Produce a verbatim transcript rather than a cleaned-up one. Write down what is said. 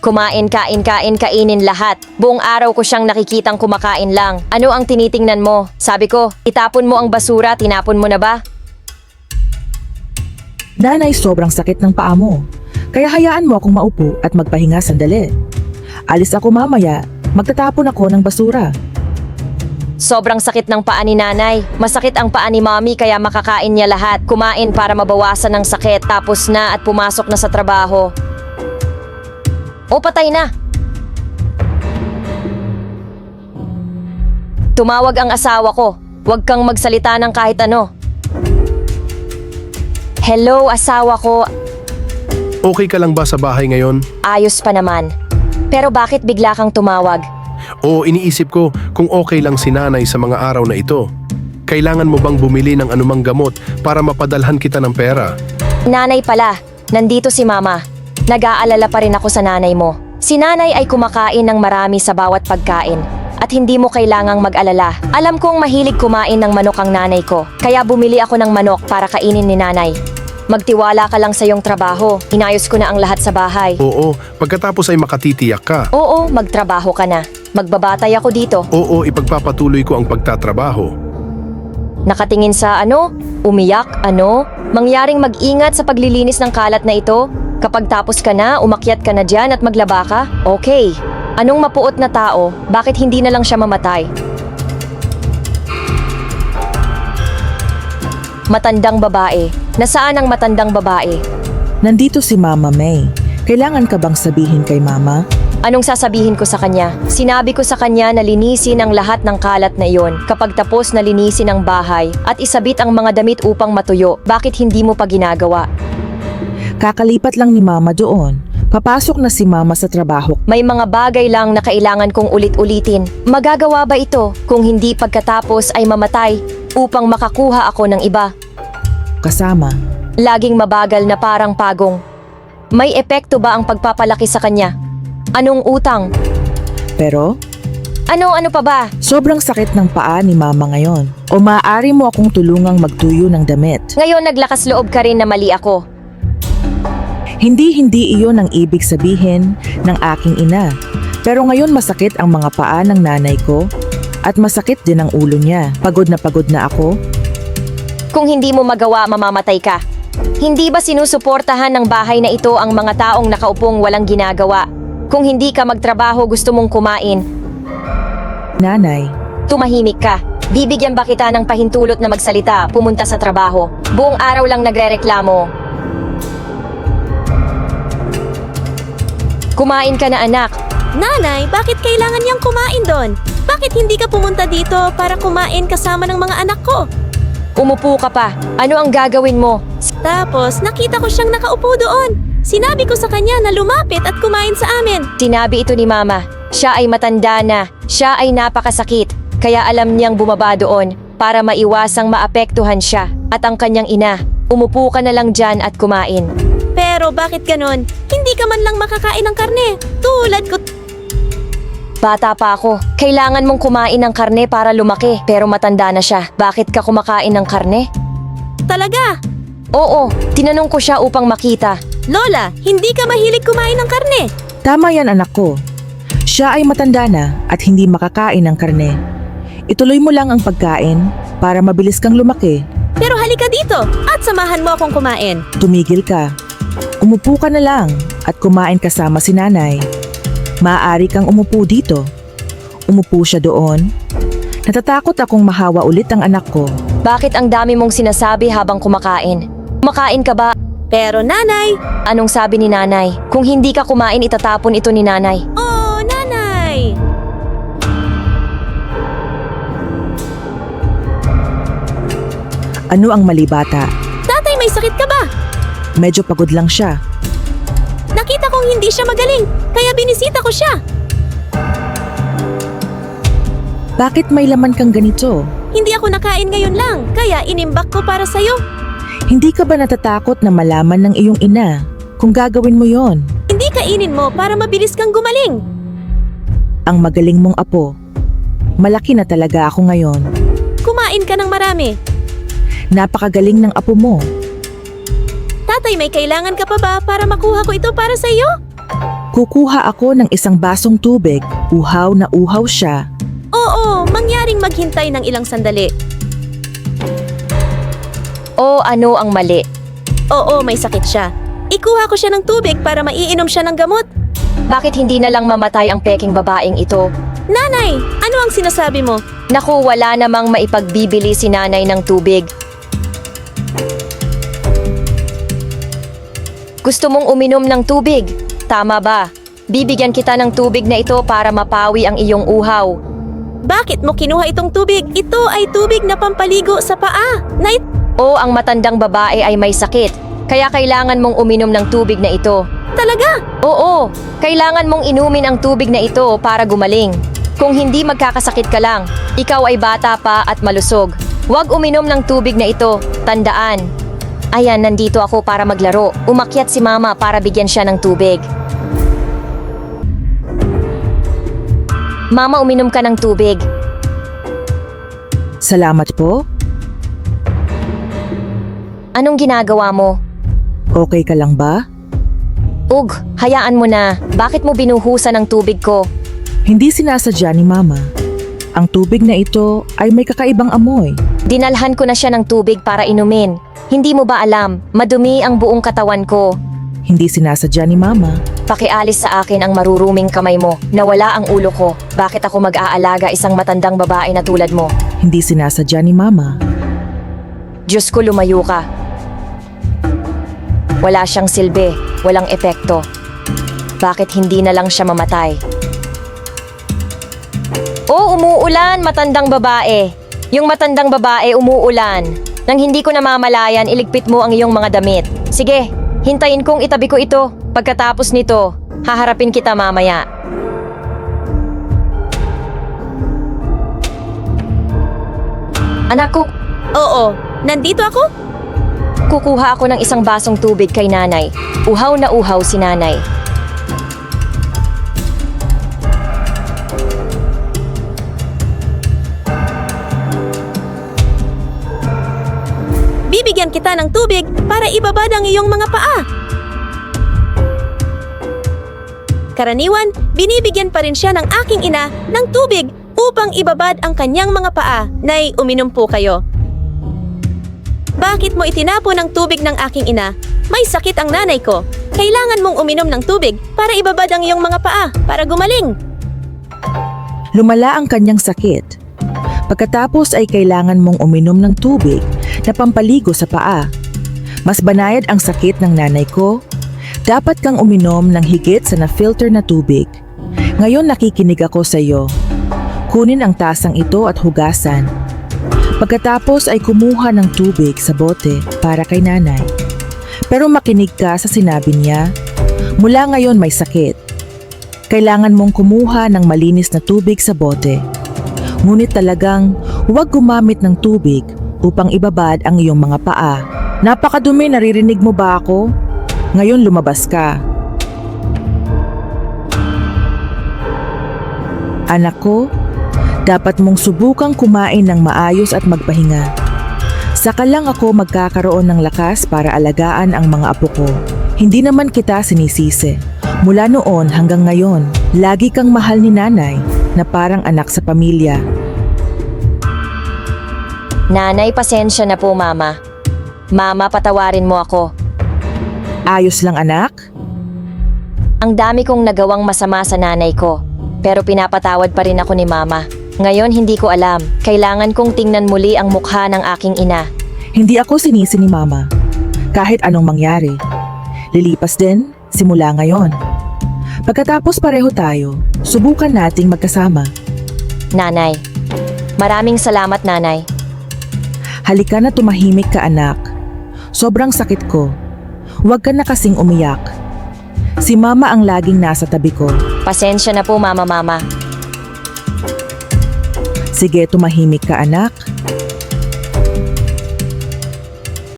Kumain, kain, kain, kainin lahat. Buong araw ko siyang nakikitang kumakain lang. Ano ang tinitingnan mo? Sabi ko, itapon mo ang basura, tinapon mo na ba? Nanay, sobrang sakit ng paa mo. Kaya hayaan mo akong maupo at magpahinga sandali. Alis ako mamaya, magtatapon ako ng basura. Sobrang sakit ng paa ni nanay. Masakit ang paa ni mommy kaya makakain niya lahat. Kumain para mabawasan ng sakit. Tapos na at pumasok na sa trabaho. O patay na. Tumawag ang asawa ko. Huwag kang magsalita ng kahit ano. Hello, asawa ko. Okay ka lang ba sa bahay ngayon? Ayos pa naman. Pero bakit bigla kang tumawag? O iniisip ko kung okay lang si nanay sa mga araw na ito. Kailangan mo bang bumili ng anumang gamot para mapadalhan kita ng pera? Nanay pala, nandito si mama. Nag-aalala pa rin ako sa nanay mo. Si nanay ay kumakain ng marami sa bawat pagkain. At hindi mo kailangang mag-alala. Alam kong mahilig kumain ng manok ang nanay ko. Kaya bumili ako ng manok para kainin ni nanay. Magtiwala ka lang sa iyong trabaho. Inayos ko na ang lahat sa bahay. Oo, pagkatapos ay makatitiyak ka. Oo, magtrabaho ka na. Magbabatay ako dito. Oo, ipagpapatuloy ko ang pagtatrabaho. Nakatingin sa ano? Umiyak? Ano? Mangyaring mag-ingat sa paglilinis ng kalat na ito? Kapag tapos ka na, umakyat ka na dyan at maglaba ka? Okay. Anong mapuot na tao? Bakit hindi na lang siya mamatay? Matandang babae. Nasaan ang matandang babae? Nandito si Mama May. Kailangan ka bang sabihin kay Mama? Anong sasabihin ko sa kanya? Sinabi ko sa kanya na linisin ang lahat ng kalat na iyon. Kapag tapos na linisin ang bahay at isabit ang mga damit upang matuyo, bakit hindi mo pa ginagawa? Kakalipat lang ni Mama doon. Papasok na si Mama sa trabaho. May mga bagay lang na kailangan kong ulit-ulitin. Magagawa ba ito kung hindi pagkatapos ay mamatay upang makakuha ako ng iba? Kasama. Laging mabagal na parang pagong. May epekto ba ang pagpapalaki sa kanya? Anong utang? Pero, Ano-ano pa ba? sobrang sakit ng paa ni Mama ngayon. O maaari mo akong tulungang magtuyo ng damit. Ngayon naglakas loob ka rin na mali ako. Hindi-hindi iyon ang ibig sabihin ng aking ina. Pero ngayon masakit ang mga paa ng nanay ko at masakit din ang ulo niya. Pagod na pagod na ako. Kung hindi mo magawa, mamamatay ka. Hindi ba sinusuportahan ng bahay na ito ang mga taong nakaupong walang ginagawa? Kung hindi ka magtrabaho, gusto mong kumain, Nanay, tumahimik ka. Bibigyan ba kita ng pahintulot na magsalita, pumunta sa trabaho? Buong araw lang nagrereklamo. Kumain ka na, anak. Nanay, bakit kailangan niyang kumain doon? Bakit hindi ka pumunta dito para kumain kasama ng mga anak ko? Umupo ka pa. Ano ang gagawin mo? Tapos, nakita ko siyang nakaupo doon. Sinabi ko sa kanya na lumapit at kumain sa amin. Sinabi ito ni Mama. Siya ay matanda na. Siya ay napakasakit. Kaya alam niyang bumaba doon para maiwasang maapektuhan siya at ang kanyang ina. Umupo ka na lang dyan at kumain. Pero bakit ganon? Hindi ka man lang makakain ng karne. Tulad ko. Bata pa ako. Kailangan mong kumain ng karne para lumaki. Pero matanda na siya. Bakit ka kumakain ng karne? Talaga? Oo, tinanong ko siya upang makita. Lola, hindi ka mahilig kumain ng karne. tama yan anak ko. Siya ay matanda na at hindi makakain ng karne. Ituloy mo lang ang pagkain para mabilis kang lumaki. Pero halika dito at samahan mo akong kumain. Tumigil ka. Umupo ka na lang at kumain kasama si nanay. Maaari kang umupo dito. Umupo siya doon. Natatakot akong mahawa ulit ang anak ko. Bakit ang dami mong sinasabi habang kumakain? Kumakain ka ba? Pero nanay, Anong sabi ni nanay? Kung hindi ka kumain, itatapon ito ni nanay. oh nanay! Ano ang mali bata? Tatay, may sakit ka ba? Medyo pagod lang siya. Nakita kong hindi siya magaling, kaya binisita ko siya. Bakit may laman kang ganito? Hindi ako nakain ngayon lang, kaya inimbak ko para sa'yo. Hindi ka ba natatakot na malaman ng iyong ina kung gagawin mo yon? Hindi kainin mo para mabilis kang gumaling. Ang magaling mong apo. Malaki na talaga ako ngayon. Kumain ka ng marami. Napakagaling ng apo mo. Tatay, may kailangan ka pa ba para makuha ko ito para sa iyo? Kukuha ako ng isang basong tubig, uhaw na uhaw siya. Oo, mangyaring maghintay ng ilang sandali. O ano ang mali? Oo, may sakit siya. Ikuha ko siya ng tubig para maiinom siya ng gamot. Bakit hindi na lang mamatay ang peking babaeng ito? Nanay, ano ang sinasabi mo? Naku, wala namang maipagbibili si nanay ng tubig. Gusto mong uminom ng tubig? Tama ba? Bibigyan kita ng tubig na ito para mapawi ang iyong uhaw. Bakit mo kinuha itong tubig? Ito ay tubig na pampaligo sa paa. Na it- O ang matandang babae ay may sakit, kaya kailangan mong uminom ng tubig na ito. Talaga? Oo, kailangan mong inumin ang tubig na ito para gumaling. Kung hindi magkakasakit ka lang, ikaw ay bata pa at malusog. Huwag uminom ng tubig na ito, tandaan. Ayan, nandito ako para maglaro. Umakyat si mama para bigyan siya ng tubig. Mama, uminom ka ng tubig. Salamat po. Anong ginagawa mo? Okay ka lang ba? Ug, hayaan mo na. Bakit mo binuhusan ang tubig ko? Hindi sinasadya ni Mama. Ang tubig na ito ay may kakaibang amoy. Dinalhan ko na siya ng tubig para inumin. Hindi mo ba alam, madumi ang buong katawan ko. Hindi sinasadya ni Mama. Pakialis sa akin ang maruruming kamay mo. Nawala ang ulo ko. Bakit ako mag-aalaga isang matandang babae na tulad mo? Hindi sinasadya ni Mama. Diyos ko, lumayo ka. Wala siyang silbi, walang epekto. Bakit hindi na lang siya mamatay? Oh, umuulan, matandang babae. Yung matandang babae, umuulan. Nang hindi ko namamalayan, iligpit mo ang iyong mga damit. Sige, hintayin kong itabi ko ito. Pagkatapos nito, haharapin kita mamaya. Anak ko, Oo, nandito ako? kukuha ako ng isang basong tubig kay nanay. Uhaw na uhaw si nanay. Bibigyan kita ng tubig para ibabad ang iyong mga paa. Karaniwan, binibigyan pa rin siya ng aking ina ng tubig upang ibabad ang kanyang mga paa. Nay, uminom po kayo. Bakit mo itinapon ang tubig ng aking ina? May sakit ang nanay ko. Kailangan mong uminom ng tubig para ibabad ang iyong mga paa, para gumaling. Lumala ang kanyang sakit. Pagkatapos ay kailangan mong uminom ng tubig na pampaligo sa paa. Mas banayad ang sakit ng nanay ko. Dapat kang uminom ng higit sa na-filter na tubig. Ngayon nakikinig ako sa iyo. Kunin ang tasang ito at hugasan. Pagkatapos ay kumuha ng tubig sa bote para kay nanay. Pero makinig ka sa sinabi niya. Mula ngayon may sakit. Kailangan mong kumuha ng malinis na tubig sa bote. Ngunit talagang huwag gumamit ng tubig upang ibabad ang iyong mga paa. Napakadumi, naririnig mo ba ako? Ngayon lumabas ka. Anak ko, dapat mong subukang kumain ng maayos at magpahinga. Saka lang ako magkakaroon ng lakas para alagaan ang mga apo ko. Hindi naman kita sinisisi. Mula noon hanggang ngayon, lagi kang mahal ni nanay na parang anak sa pamilya. Nanay, pasensya na po, mama. Mama, patawarin mo ako. Ayos lang anak? Ang dami kong nagawang masama sa nanay ko. Pero pinapatawad pa rin ako ni mama. Ngayon hindi ko alam. Kailangan kong tingnan muli ang mukha ng aking ina. Hindi ako sinisi ni mama. Kahit anong mangyari. Lilipas din simula ngayon. Pagkatapos pareho tayo, subukan nating magkasama. Nanay. Maraming salamat, nanay. Halika na, tumahimik ka anak. Sobrang sakit ko. Huwag ka na kasing umiyak. Si mama ang laging nasa tabi ko. Pasensya na po, mama, mama. Sige, tumahimik ka anak.